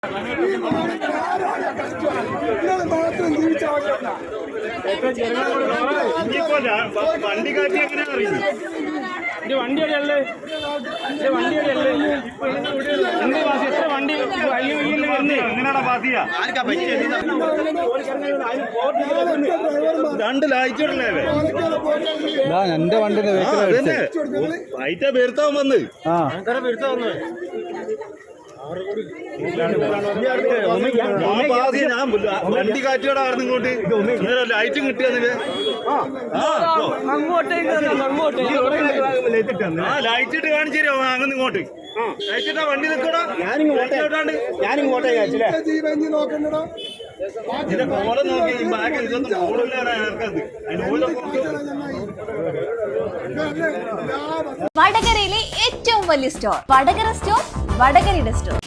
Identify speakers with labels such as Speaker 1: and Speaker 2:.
Speaker 1: വണ്ടി കാറ്റി എങ്ങനെ അറിയും?
Speaker 2: വണ്ടിയല്ലേ എത്ര വണ്ടി
Speaker 1: എങ്ങനെയാടാ പാസിയാ? രണ്ട് ലൈറ്റിടല്ലേ
Speaker 3: എന്റെ വണ്ടി
Speaker 1: ലൈറ്റാ പെരുത്താൻ വന്ന് വണ്ടി കാറ്റിയോടായിരുന്നു ഇങ്ങോട്ട് ലൈറ്റും കിട്ടിയെന്നില്ലേ? ആ ലൈറ്റ് ഇട്ട് കാണിച്ചു തരുമോ? അങ്ങനെ ഇങ്ങോട്ട് ലൈറ്റ് ഇട്ടാ വണ്ടി നിൽക്കടാ. ഇതിന്റെ കോലം നോക്കി ഈ ബാഗ് ഇതൊന്നും ഓടില്ലാണ് ഇറക്കത്.
Speaker 4: വടകരയിലെ ഏറ്റവും വലിയ സ്റ്റോർ വടകര സ്റ്റോർ, വടകരയുടെ സ്റ്റോർ.